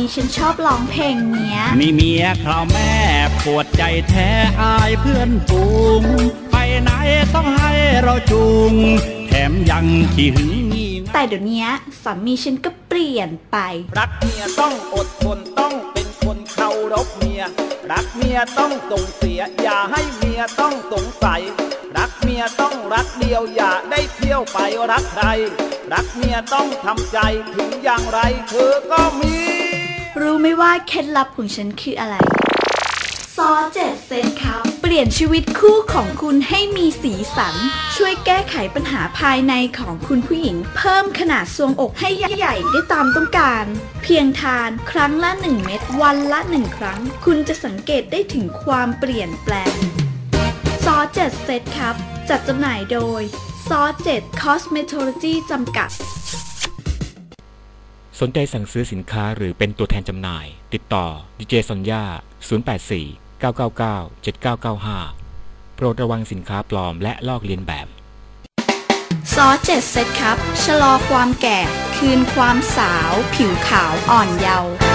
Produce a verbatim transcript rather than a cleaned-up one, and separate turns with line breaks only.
ฉันชอบร้องเพลงเนี้ย
มีเมียคราวแม่ปวดใจแท้อายเพื่อนฝูงไปไหนต้องให้เราจูงแถมยังขี้หึงงี่
แต่เดี๋ยวนี้สามีฉันก็เปลี่ยนไป
รักเมียต้องอดทนต้องเป็นคนเคารพเมียรักเมียต้องส่งเสียอย่าให้เมียต้องสงสัยรักเมียต้องรักเดียวอย่าได้เที่ยวไปรักใครรักเมียต้องทำใจถึงอย่างไรเธอก็มี
รู้ไหมว่าเคล็ดลับของฉันคืออะไรซอเจ็ดเซนครับเปลี่ยนชีวิตคู่ของคุณให้มีสีสันช่วยแก้ไขปัญหาภายในของคุณผู้หญิงเพิ่มขนาดทรวงอกให้ใหญ่ได้ตามต้องการเพียงทานครั้งละหนึ่งเม็ดวันละหนึ่งครั้งคุณจะสังเกตได้ถึงความเปลี่ยนแปลงซอเจ็ดเซตครับจัดจำหน่ายโดยซอเจ็ดคอสเมโทโลจีจำกัด
สนใจสั่งซื้อสินค้าหรือเป็นตัวแทนจำหน่ายติดต่อดีเจซอนย่าศูนย์ แปด สี่ เก้า เก้า เก้า เจ็ด เก้า เก้า ห้าโปรดระวังสินค้าปลอมและลอกเลียนแบบ
ซอเจ็ดเซตครับชะลอความแก่คืนความสาวผิวขาวอ่อนเยาว์